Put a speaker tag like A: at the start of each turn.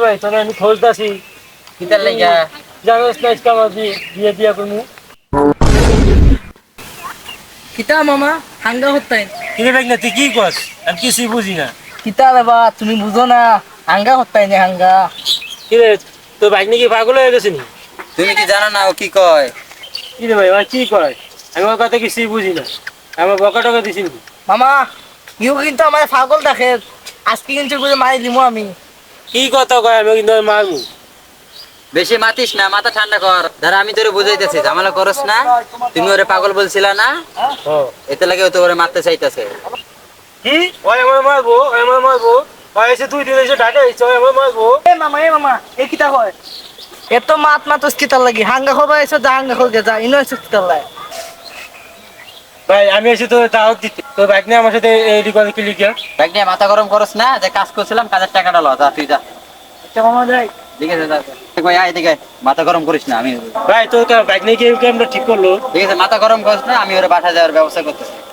A: ভাই তোরা আমি খোঁজতাছি
B: কিতার লাগা
A: জানোস না আজকে আমার বিয়ে দিয়া করবো।
C: কিতা মামা হাঙ্গা হত্যাই
A: কিরে ভাই না তুই কি কস আমি কিছুই বুঝি না।
C: কিতা বাবা তুমি বুঝো না হাঙ্গা হত্যাই নে হাঙ্গা।
A: কিরে তোর বাইক নাকি পাগল হয়ে গেছে নি?
B: তুমি কি জানো না ও কি কয়?
A: কিরে ভাই আমার কি কয় আমি ওর কথা কিছুই বুঝি না। আমার বকা টকা দিছি নাকি?
C: মামা ইউ কিন্তু আমার পাগল দেখে আজকে কিন্তু করে মারি দিমু আমি।
A: কি কথা কয় আমি কিন্তু মারমু।
B: বেশি মাতিস না, মাথা ঠান্ডা কর। দাঁড়া আমি তোরে বুঝাইতেছি, ঝামেলা করস না। তুমি ওরে পাগল বলছিলা না,
A: ও
B: এতে লাগে ও তো ওরে মারতে চাইতেছে।
A: কি ওই আমার মারবো ওই আমার মারবো ওই এসে 2 দিন এসে ঢাকা এসে ওই আমার মারবো।
C: এ মামা এ কিতা হয় এত মাত মাতস কিতার লাগি হাঙ্গা খবা এসে যা হাঙ্গা খলকে যা ইনো এসে কিতার লাগে।
A: ভাই আমি এসে তো দাওয়াত দিতে তোর বাইক নিয়ে আমার সাথে এই করে কি লিখিয়া
B: দেখ নিয়ে মাথা গরম করস না, যে কাজ করছিলাম কাজের টাকাটা ল, যা তুই যা।
C: আচ্ছা মামা যাই।
B: ঠিক আছে যা। কই আয় এদিকে, মাথা গরম করিস না। আমি
A: ভাই তোর বাইক নিয়ে কি আমরা ঠিক করলো?
B: ঠিক আছে, মাথা গরম করিস না, আমি ওরে বাসা যাওয়ার ব্যবস্থা করতেছি।